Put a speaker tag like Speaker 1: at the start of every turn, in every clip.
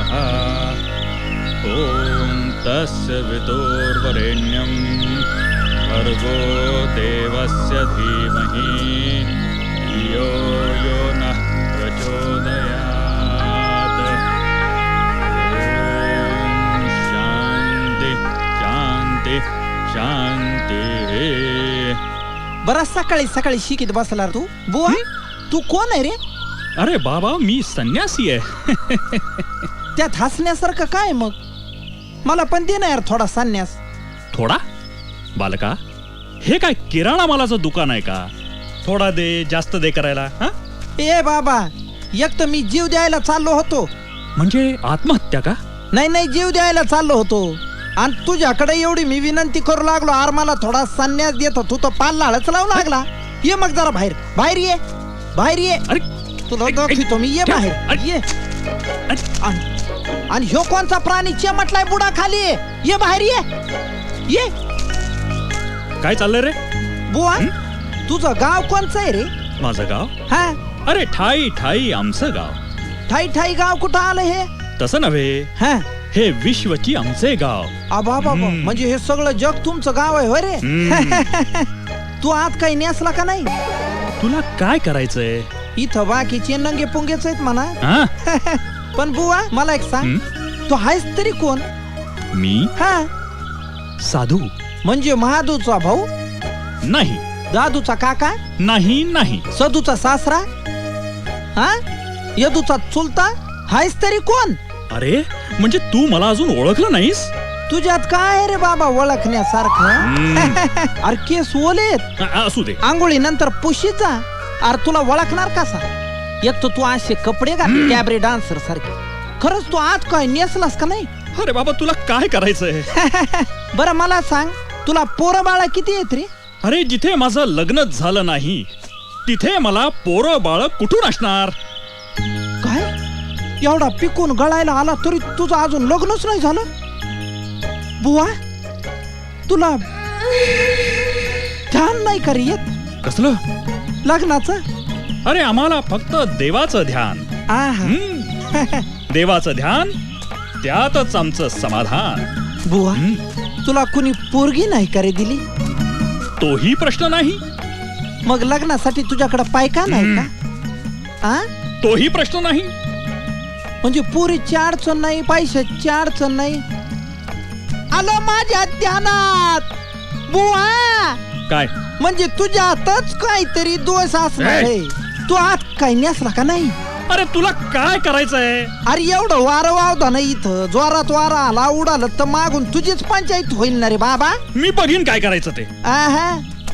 Speaker 1: ॐ तस्य वितुर्वरेण्यं भर्गो देवस्य धीमहि धियो यो नः प्रचोदयात्। शांती शांती शांती।
Speaker 2: बरं सकाळी सकाळी शिकीत बसला तू बुवा. तू कोण आहे रे?
Speaker 1: अरे बाबा मी संन्यासी आहे.
Speaker 2: त्यात हसण्यासारखं काय मग? मला पण दे ना यार थोडा संन्यास.
Speaker 1: थोडा? बालका हे काय किराणा मालाचं दुकान आहे का? थोडा दे जास्त दे करायला? हा?
Speaker 2: ए बाबा, एक तर मी जीव द्यायला चाललो होतो.
Speaker 1: म्हणजे आत्महत्या का?
Speaker 2: नाही नाही, जीव द्यायला चाललो होतो आणि तुझ्याकडे एवढी मी विनंती करू लागलो, आर मला थोडा संन्यास देत, तू तर पाल्लाळच लावू लागला. ये मग जरा बाहेर बाहेर ये, बाहेर ये.
Speaker 1: अरे
Speaker 2: तुला दाखवतो मी, ये बाहेर ये. आणि ह्यो कोणचा प्राणी चिमटलाय बुडा खाली? ये बाहेर ये ये.
Speaker 1: काय चाललंय रे?
Speaker 2: बुवा तुझं गाव कोणचं आहे रे?
Speaker 1: माझं गाव?
Speaker 2: हा,
Speaker 1: अरे ठाई ठाई आमचं गाव.
Speaker 2: ठाई ठाई गाव कुठं आलं हे?
Speaker 1: तसं नव्हे,
Speaker 2: हा,
Speaker 1: हे विश्वची आमचे गाव.
Speaker 2: आबा बाबा, म्हणजे हे सगळं जग तुमचं गाव आहे होय रे? तू आत काही नेसला का नाही?
Speaker 1: तुला काय करायचंय?
Speaker 2: इथं बाकीचे नंगे पुंगेच आहेत म्हणा.
Speaker 1: हा?
Speaker 2: पण बुवा मला एक सांग, तू आहेस तरी कोण?
Speaker 1: मी
Speaker 2: हा,
Speaker 1: साधू.
Speaker 2: म्हणजे महादूचा भाऊ?
Speaker 1: नाही.
Speaker 2: दादूचा काका?
Speaker 1: नाही नाही.
Speaker 2: सदूचा सासरा? हा, यदूचा चुलता? आहेस तरी कोण?
Speaker 1: अरे म्हणजे तू मला अजून ओळखलं नाहीस?
Speaker 2: तुझ्यात काय आहे रे बाबा ओळखण्यासारखं? अरे केस ओलेत,
Speaker 1: असू दे.
Speaker 2: आंघोळी नंतर पुशीचा. अरे तुला ओळखणार कसा? एक तर तू असे कपडे घातले कॅबरे डान्सर सारखे. खरंच तू आत काय नेसलास का नाही?
Speaker 1: अरे बाबा तुला काय करायचंय?
Speaker 2: बरं मला सांग, तुला पोरं बाळा किती आहेत रे?
Speaker 1: अरे जिथे माझं लग्नच झालं नाही तिथे मला पोरं बाळ कुठून असणार?
Speaker 2: काय एवढा पिकून गळायला आला तरी तुझं अजून लग्नच नाही झालं? बुवा तुला ध्यान नाही का रे येत
Speaker 1: कसलं
Speaker 2: लग्नाचं?
Speaker 1: अरे आम्हाला फक्त देवाचं ध्यान.
Speaker 2: आहा.
Speaker 1: देवाचं ध्यान त्यातच आमचं समाधान.
Speaker 2: बुवा तुला कुणी पोरगी नाही का रे दिली?
Speaker 1: तोही प्रश्न नाही.
Speaker 2: मग लग्नासाठी तुझ्याकडे पायका नाही का? आ?
Speaker 1: तोही प्रश्न नाही.
Speaker 2: म्हणजे पोरीची अडचण नाही, पैशाची अडचण नाही. आलं माझ्या ध्यानात बुवा.
Speaker 1: काय
Speaker 2: म्हणजे तुझ्यातच काहीतरी दोष असणार आहे. तू आत काही नेसला का नाही?
Speaker 1: अरे तुला काय करायचंय?
Speaker 2: अरे एवढं वारं वावदा नाही इथं. जोरात वारा आला उडालं तर मागून तुझीच पंचायत होईल ना रे बाबा.
Speaker 1: मी बघीन काय करायचं ते.
Speaker 2: आहा.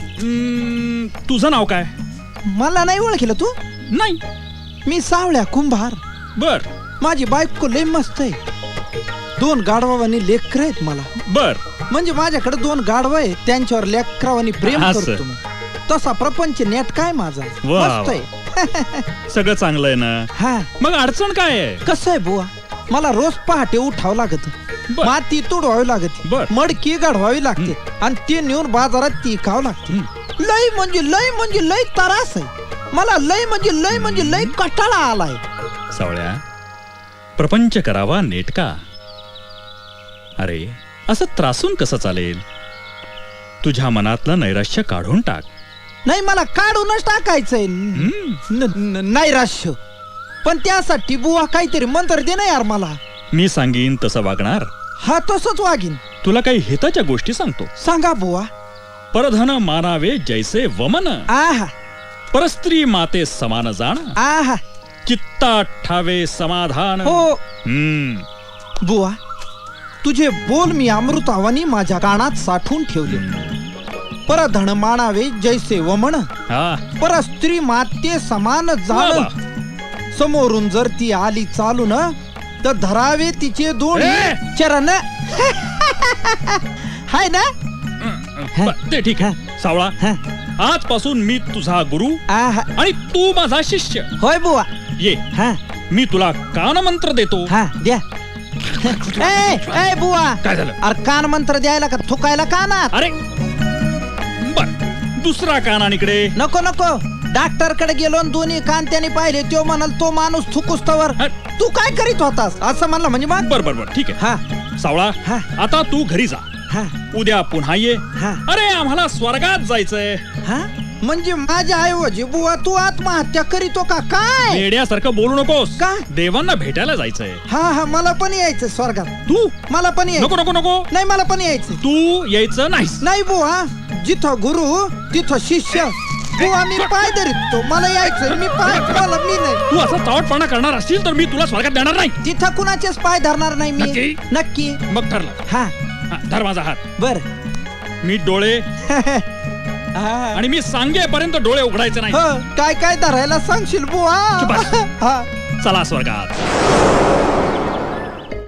Speaker 1: तुझं नाव काय?
Speaker 2: मला नाही ओळखलं तू?
Speaker 1: नाही.
Speaker 2: मी सावळ्या कुंभार.
Speaker 1: बर
Speaker 2: माझी बायको लय मस्त आहे. 2 गाढवानी लेकर आहेत मला.
Speaker 1: बर
Speaker 2: म्हणजे माझ्याकडे 2 गाढव आहेत, त्यांच्यावर लेकरावानी प्रेम
Speaker 1: असं.
Speaker 2: करतो मी. तसा प्रपंच नेट काय माझा
Speaker 1: वा,
Speaker 2: मस्त आहे.
Speaker 1: सगळं चांगलं आहे ना?
Speaker 2: हा,
Speaker 1: मग अडचण काय आहे?
Speaker 2: कसं आहे बुवा, मला रोज पहाटे उठावं लागत,
Speaker 1: बर.
Speaker 2: माती तोडवावी लागते,
Speaker 1: बर.
Speaker 2: मडकी गाढवावी लागते आणि ती नेऊन बाजारात ती खावं लागते. लय म्हणजे लय त्रास आहे मला. लय म्हणजे लय कटाळा आलाय.
Speaker 1: सावळ्या, प्रपंच करावा नेटका. अरे असं त्रासून कसं चालेल? तुझ्या मनातलं नैराश्य काढून टाक.
Speaker 2: नाही मला काढूनच टाकायचंय नैराश्य. पण त्यासाठी बुवा काहीतरी मंत्र दे ना यार मला.
Speaker 1: मी सांगीन तसं वागणार?
Speaker 2: हा तसंच वागीन.
Speaker 1: तुला काही हिताच्या गोष्टी सांगतो.
Speaker 2: सांगा बुवा.
Speaker 1: परधन मानावे जैसे वमन,
Speaker 2: आहा
Speaker 1: परस्त्री माते समान जाण,
Speaker 2: आहा.
Speaker 1: चित्ता ठावे समाधान.
Speaker 2: हो बुवा, तुझे बोल मी अमृतावानी माझ्या कानात साठवून ठेवले. परधन मानावे जैसे वमन, परस्त्री माते समान जाण. समोरून जर ती आली चालून तर धरावे तिचे 2 चरण. हाय ना?
Speaker 1: ते ठीक आहे. सावळा, आजपासून मी तुझा गुरु आणि तू माझा शिष्य.
Speaker 2: होय बुवा.
Speaker 1: ये, मी तुला कान मंत्र देतो.
Speaker 2: हा द्या. ए बुवा,
Speaker 1: काय झालं?
Speaker 2: अरे कान मंत्र द्यायला का थुकायला कानात?
Speaker 1: अरे बर, दुसरा कान आणि इकडे.
Speaker 2: नको नको, डॉक्टर कडे गेलो आणि दोन्ही कान त्याने पाहिले तो म्हणाल तो माणूस थुकुस्तवर
Speaker 1: हा.
Speaker 2: तू काय करीत होतास असं म्हणलं म्हणजे मग
Speaker 1: बर ठीक आहे
Speaker 2: हा
Speaker 1: सावळा
Speaker 2: हा.
Speaker 1: आता तू घरी जा
Speaker 2: हा
Speaker 1: उद्या पुन्हा ये
Speaker 2: हा.
Speaker 1: अरे आम्हाला स्वर्गात जायचंय
Speaker 2: हा म्हणजे माझ्या ऐवजी बुवा तू आत्महत्या करीतो का काय
Speaker 1: वेड्यासारखं बोलू नकोस
Speaker 2: का?
Speaker 1: देवांना भेटायला जायचंय
Speaker 2: हा मला पण यायचं स्वर्गात
Speaker 1: तू
Speaker 2: मला पण यायचं
Speaker 1: नको नको नको
Speaker 2: नाही मला पण यायचं
Speaker 1: तू यायचं नाहीस
Speaker 2: नाही बुवा जिथं गुरु तिथं शिष्य बुवा मी पाय धरतो मला यायचं मी पाय मला मी नाही
Speaker 1: तू असा चावटपणा करणार असशील तर मी तुला स्वर्गात देणार नाही
Speaker 2: तिथं कुणाचेच पाय धरणार नाही मी
Speaker 1: नक्की?
Speaker 2: नक्की
Speaker 1: मग ठरलं
Speaker 2: हा
Speaker 1: हा, धर माझा हात
Speaker 2: बर
Speaker 1: मी डोळे आणि मी सांगेपर्यंत डोळे उघडायचे नाही
Speaker 2: काय काय धरायला सांगशील बुवा
Speaker 1: चुप बस.
Speaker 2: हा
Speaker 1: चला स्वर्गात